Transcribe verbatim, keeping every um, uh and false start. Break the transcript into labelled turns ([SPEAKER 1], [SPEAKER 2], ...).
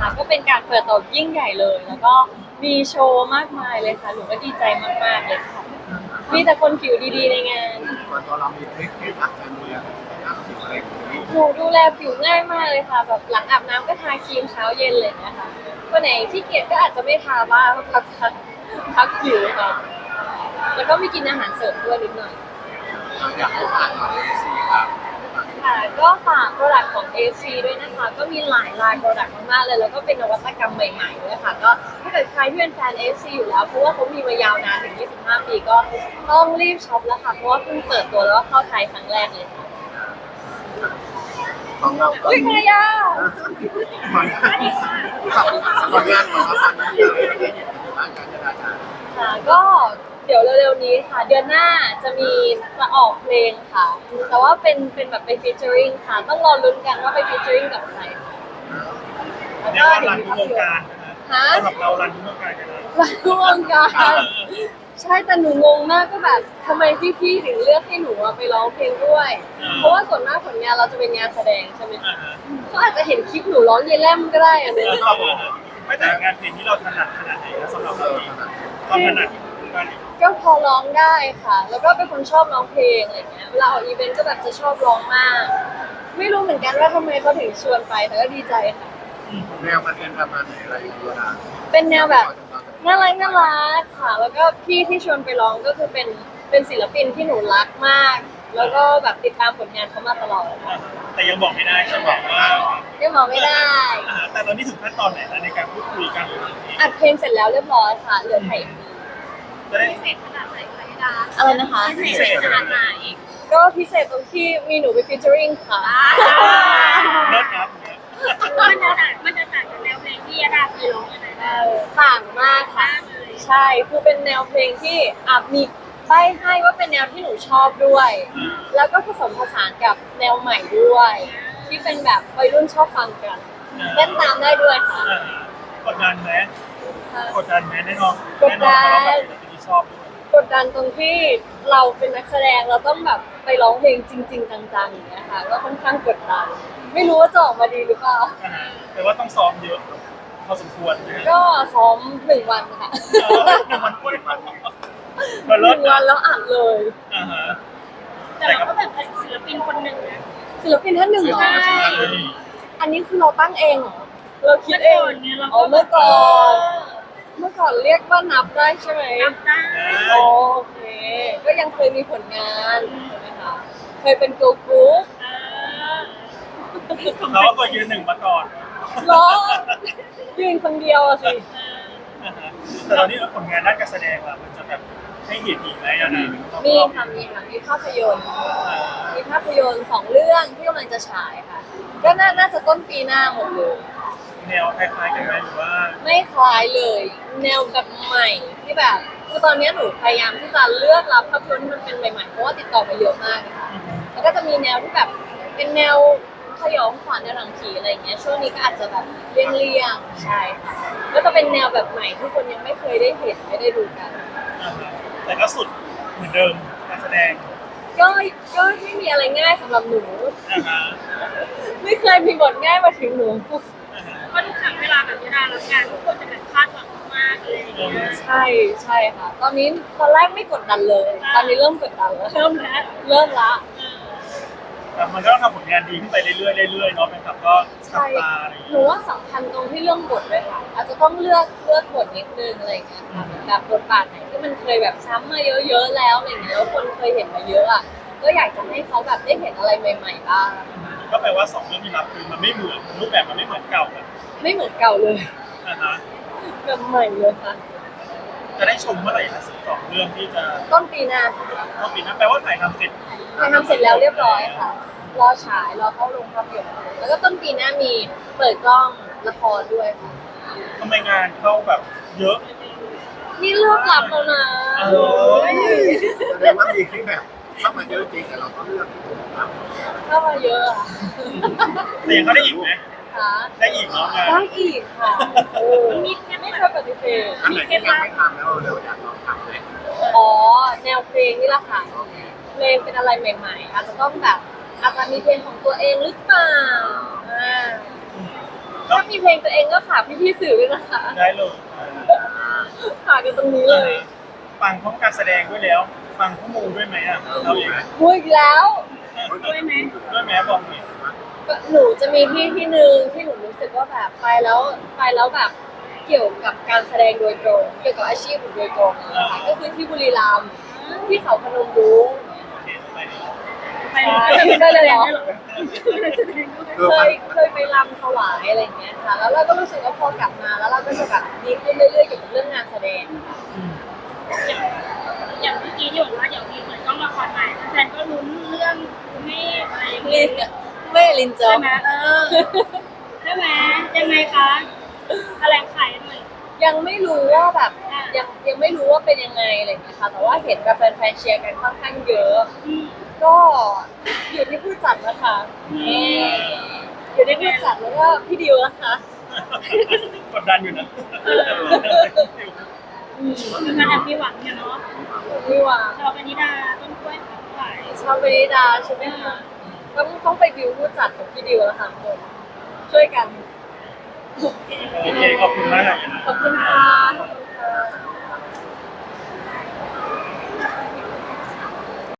[SPEAKER 1] นะคะก็เป็นการเปิดตัวยิ่งใหญ่เลยแล้วก็มีโชว์มากมายเลยค่ะหนูก็ดีใจมากๆเลยค่ะมีแต่คนผิวดีๆในงาน
[SPEAKER 2] ส่วนตัวเรามีเทคนิครักการดูแลรักผิวอะไรอย่างนี้
[SPEAKER 1] หนูดูแลผิวง่ายมากเลยค่ะแบบหลังอาบน้ำก็ทาครีมเช้าเย็นเลยนะคะวันไหนที่เกียจก็อาจจะไม่ทาบ้างพักพักพักผิวค่ะแล้วก็มีกินอาหารเสริมด้วยนิดหน่อย
[SPEAKER 2] อยากให้ฝากหน่อยสิครับ
[SPEAKER 1] ค่ะก็ฝากโปรดักต์ของ เอ ซี ด้วยนะคะก็มีหลายลายโปรดักต์มากๆเลยแล้วก็เป็นนวัตกรรมใหม่ๆด้วยค่ะก็ถ้าเกิดใครที่เป็นแฟน เอ ซี อยู่แล้วเพราะว่าเขามีมายาวนานถึงยี่สิบห้าปีก็ต้องรีบช็อปแล้วค่ะเพราะว่าเพิ่งเปิดตัวแล้วก็เข้าไทยครั้งแรกเลยค่ะ
[SPEAKER 2] ของเรา
[SPEAKER 1] อุ้ยมายา
[SPEAKER 2] ผลงานผลงานของเราตอนนี้เราได้เห็นบ้างการจราจร
[SPEAKER 1] ค่ะก็เดี๋ยวเร็วๆนี้ค่ะเดือนหน้าจะมีจะออกเพลงค่ะแต่ว่าเป็นเป็นแบบไปฟีเจอริงค่ะต้องรอลุ้นกันว่าไปฟีเจอริงกับใครแล้ว
[SPEAKER 3] เรียกว่า
[SPEAKER 1] ก็เดี๋ย
[SPEAKER 3] รั
[SPEAKER 1] วน
[SPEAKER 3] ทุกวงการ
[SPEAKER 1] ฮะ
[SPEAKER 3] สำหรับเรารันทุกวงการกันเลย
[SPEAKER 1] รันทุกวงการใช่แต่หนูงงมากก็แบบทำไมพี่ๆถึงเลือกให้หนูไปร้องเพลงด้วย เพราะว่าส่วนมากผลงานเราจะเป็นงานแสดงใช่ไหมก็อาจจะเห็นคลิปหนูร้องเยแลมก็ได้อะเนี่ย
[SPEAKER 3] ไม่แต่งานเพลงที่เราถนัดขนาดไหนนะสำหรับเราเองความถนัดการ
[SPEAKER 1] ก็พอร้องได้ค่ะ แล้วก็เป็นคนชอบร้องเพลงอะไรเงี้ยเวลาออกอีเวนต์ก็แบบจะชอบร้องมาก ไม่รู้เหมือนกันว่าทำไมเขาถึงชวนไปแต่ก็ดีใจค่ะ
[SPEAKER 2] แนวมันเป็นประมาณไหนอะไรอย่างเงี้ยนะ
[SPEAKER 1] เป็นแนวแบบน่ารักน่ารักค่ะ แล้วก็พี่ที่ชวนไปร้องก็คือเป็นเป็นศิลปินที่หนูรักมาก แล้วก็แบบติดตามผลงานเขามาตลอด
[SPEAKER 3] แต่ยังบอกไม่ได้จะบอกว่า
[SPEAKER 1] ยังบอกไม่ได้
[SPEAKER 3] แต่ตอนนี้ถึงขั้นตอนไหนแล้วในการพูดคุยกัน
[SPEAKER 1] อัดเพลงเสร็จแล้วเรียบร้อยค่ะเหลือถ่ายเอ็มวี
[SPEAKER 3] จะได้
[SPEAKER 1] พิเศษขนาดไหนคะพี่ดาอะไรนะคะ
[SPEAKER 3] พิเศษขนาดไหน
[SPEAKER 1] ก็พิเศษตรงที่มีหนูไปฟีเจอริงค่ะ
[SPEAKER 3] เลิศครับ
[SPEAKER 4] มันจะต่างมันจะต่างจากแนวเพลงที่ยาดาเคยร้องยังไงบ้าง
[SPEAKER 1] ต่างมากค่ะ ใช่คือเป็นแนวเพลงที่อ่ะมีใบ้ให้ว่าเป็นแนวที่หนูชอบด้วย แล้วก็ผสมผสานกับแนวใหม่ด้วย ที่เป็นแบบวัยรุ่นชอบฟังกันเต้นตามได้ด้วยค่ะ
[SPEAKER 3] กดดันไหมกดดันไหมแน่นอน
[SPEAKER 1] กดดัน
[SPEAKER 3] แน่นอนเราแบบที่ชอบ
[SPEAKER 1] กดดันตรงที่เราเป็นนักแสดงเราต้องแบบไปร้องเพลงจริง ๆ จังๆอย่างเงี้ยค่ะก็ค่อนข้างกดดัน ไม่รู้ว่าจะออกมาดีหรือเปล่า
[SPEAKER 3] แต่ว่าต้องซ้อมเยอะพอสมควรนะ
[SPEAKER 1] ก็ซ้อมหนึ่งวันค่ะ
[SPEAKER 3] หนึ่งวันพูดมัน
[SPEAKER 1] หนึ่งวันแล้วอัดเลย
[SPEAKER 3] อ่าฮะ
[SPEAKER 4] แต่เราก็แบบเป็นศิลปินคนหนึ่งนะ
[SPEAKER 1] ศิลปินท่านหนึ่งเหรอ
[SPEAKER 4] ใช่
[SPEAKER 1] อันนี้คือเราตั้งเองเหรอเราคิดเอง
[SPEAKER 4] เมื่อก่อนเนี่ยเราก็
[SPEAKER 1] อ๋อเมื่อก่อนเมื่อก่อนเรียกว่านับได้ใช่ไหม
[SPEAKER 4] นับได้
[SPEAKER 1] โอเค ก็ยังเคยมีผลงานใช่ไหมคะ เคยเป็นเกิร์ลกรุ๊ป
[SPEAKER 4] เออ
[SPEAKER 3] เขาก็ยืนหนึ่งมาก่อน
[SPEAKER 1] เหรอ ยืนคนเดียวอะสิ
[SPEAKER 3] แต่ตอนนี้ผลงานด้านการแสดงล่ะมันจะแบบให้เห็นอีกไหมอะนะ
[SPEAKER 1] มีค่ะ มีค่ะ มีภาพยนตร์ มีภาพยนตร์สองเรื่องที่กำลังจะฉายค่ะ ก็น่าน่าจะต้นปีหน้าหมดเลย
[SPEAKER 3] แนวคล้ายๆกันไหมหรือว่า
[SPEAKER 1] ไม่คล้ายเลย แนวแบบใหม่ที่แบบคือตอนนี้หนูพยายามที่จะเลือกรับภาพยนตร์ที่มันเป็นใหม่ๆเพราะว่าติดต่อมาเยอะมากนะคะแล้วก็จะมีแนวที่แบบเป็นแนวสยองขวัญในหนังผีอะไรอย่างเงี้ยช่วงนี้ก็อาจจะแบบเลี่ยงๆใช่ค่ะก็จะเป็นแนวแบบใหม่ที่คนยังไม่เคยได้เห็นไม่ได้ดูกัน
[SPEAKER 3] แต่ก็สุดเหมือนเดิมการแสดง
[SPEAKER 1] ก็ก็ไม่มีอะไรง่ายสำหรับหนู
[SPEAKER 3] อ่าฮะ
[SPEAKER 1] ไม่เคยมีบทง่ายมาถึงหนู
[SPEAKER 4] เพราะทุกครั้งเวลาแบบยาดารับงานทุกคนจะแบบคาดหวังมากเลยอย่างเงี้ย
[SPEAKER 1] ใช่ใช่ค่ะ ตอนนี้ตอนแรกไม่กดดันเลย ตอนนี้เริ่มกดดันแล้ว
[SPEAKER 4] เริ่มแล้ว
[SPEAKER 1] เริ่มละ
[SPEAKER 3] แต่มันก็ต้องทำผลงานดีขึ้นไปเรื่อยๆเรื่อยๆเนาะเป็นครับก็จับ
[SPEAKER 1] ใช่
[SPEAKER 3] ตาอะไรอย่าง
[SPEAKER 1] ห
[SPEAKER 3] เงี้
[SPEAKER 1] นู
[SPEAKER 3] ย
[SPEAKER 1] ว่าสำคัญตรงที่เรื่องบทด้วยค่ะ อาจจะต้องเลือกเลือกบทนิดนึงอะไรอย่างเงี้ยค่ะแบบบทบาทไหนที่มันเคยแบบซ้ำมาเยอะๆแล้วอะไรอย่างเงี้ยแล้วคนเคยเห็นมาเยอะอ่ะก็อยากจะให้เขาแบบได้เห็นอะไรใหม่ๆบ้าง
[SPEAKER 3] ก็แปลว่าสองเรื่องที่รับคือมันไม่เหมือนรูปแบบมันไม่เหมือนเก่าแบบ
[SPEAKER 1] ไม่เหมือนเก่าเลย
[SPEAKER 3] นะฮะ
[SPEAKER 1] แบบใหม่เลยค่ะ
[SPEAKER 3] จะได้ชมเมื่อไหร่นะสองเรื่องที่จะ
[SPEAKER 1] ต้นปีหน้าค่ะ
[SPEAKER 3] ก็ปีหนั้นแปลว่าถ่ายทำเสร็จ
[SPEAKER 1] ถ่ายทำเสร็จแล้วเรียบร้อยค่ะ รอฉายรอเข้าโรงภาพยนตร์แล้วก็ต้นปีหน้ามีเปิดกล้องละครด้วยค่ะ
[SPEAKER 3] ทำไมงานเข้าแบบเยอะ
[SPEAKER 1] นี่เลือกรับแล้วนะ
[SPEAKER 3] เออ
[SPEAKER 2] แสดงว่ามีคลิปแบบเข้ามาเยอะจริงแต่เราก็เลือกครับ
[SPEAKER 1] เข้ามาเยอะอะ
[SPEAKER 3] แต่ยังเขาได้อีกไหม
[SPEAKER 1] ค่ะ
[SPEAKER 3] ได้อีกเนาะงาน
[SPEAKER 1] ได้อีกค่ะเออ
[SPEAKER 4] มีแค่
[SPEAKER 1] ไม่
[SPEAKER 4] ไม่
[SPEAKER 1] เค
[SPEAKER 4] เค
[SPEAKER 1] ย
[SPEAKER 4] ย
[SPEAKER 1] ปฏิเสธ
[SPEAKER 2] อันไหนที่ยังไม่ทำแล้วเราเร็วอยากลองทำเลย
[SPEAKER 1] อ๋อแนวเพลงนี่แหละค่ะเพลงเป็นอะไรใหม่ๆ อาจจะต้องแบบอาจจะมีเพลงของตัวเองหรือเปล่าอ่าถ้ามีเพลงตัวเองก็ฝากพี่ๆสื่อด้วยนะคะ
[SPEAKER 3] ได้เลย
[SPEAKER 1] ฝากกันตรงนี้เลย
[SPEAKER 3] ฟังพร้อมการแสดงด้วยแล้ว ฟังข้อมูลด้วยไหมอ่ะเราเอง
[SPEAKER 1] พูดอีกแล้ว
[SPEAKER 4] ด้วยไหม
[SPEAKER 3] ด้วยไหมบอกหน่อย
[SPEAKER 1] ก็หนูจะมีที่ที่หนึ่งที่หนูรู้สึกว่าแบบไปแล้วไปแล้วแบบเกี่ยวกับการแสดงโดยตรง เกี่ยวกับอาชีพหนูโดยตรงนะคะก็คือที่บุรีรัมย์ที่เขาพนมรุ้ง
[SPEAKER 3] โอเคไปดี
[SPEAKER 4] ไปได้เลยเหรอ
[SPEAKER 1] เคยเคยไปรำถวายอะไรอย่างเงี้ยค่ะ แล้วเราก็รู้สึกว่าพอกลับมาแล้วเราก็จะแบบดีขึ้นเรื่อยๆเกี่ยวกับเรื่องงานแสดง
[SPEAKER 4] อย่างเมื่อกี้ที่บอกว่าเดี๋ยวมีเปิดกล้องละครใหม่แฟนก็ลุ้นเรื่องไม่อะไรอย่าง
[SPEAKER 1] ลิ
[SPEAKER 4] เงี้ย
[SPEAKER 1] นไม่ลินจอ
[SPEAKER 4] ใช่
[SPEAKER 1] ม
[SPEAKER 4] ไหมเออใช่ไหมยังไงคะแถลงไขหน่อย
[SPEAKER 1] ยังไม่รู้ว่าแบบยังยังไม่รู้ว่าเป็นยังไงอะไรอย่างเงี้ยค่ะ แต่ว่าเห็นแบบแฟนๆเชียร์กันค่อนข้างเยอะ
[SPEAKER 4] อืม
[SPEAKER 1] ก็อยู่ที่ผู้จัดนะคะ
[SPEAKER 4] อืม
[SPEAKER 1] นี่อยู่ที่ผู้จัดแล้วก็พี่ดิวนะคะ
[SPEAKER 3] กดดันอยู่นะ
[SPEAKER 1] อืม
[SPEAKER 4] คือการแอบมีหวังเนี่ยเนาะ
[SPEAKER 1] นี่ว่า
[SPEAKER 4] ชาวปณิดาต้นกล้วยขาย
[SPEAKER 1] ชอบเบนิดาใช่ไหมคะต้องต้องไปดิวผู้จัดกับพี่ดิวแล้วค่ะทุกคนช่วยกัน
[SPEAKER 3] โอเคขอบคุณมาก
[SPEAKER 1] ขอบคุณค่ะ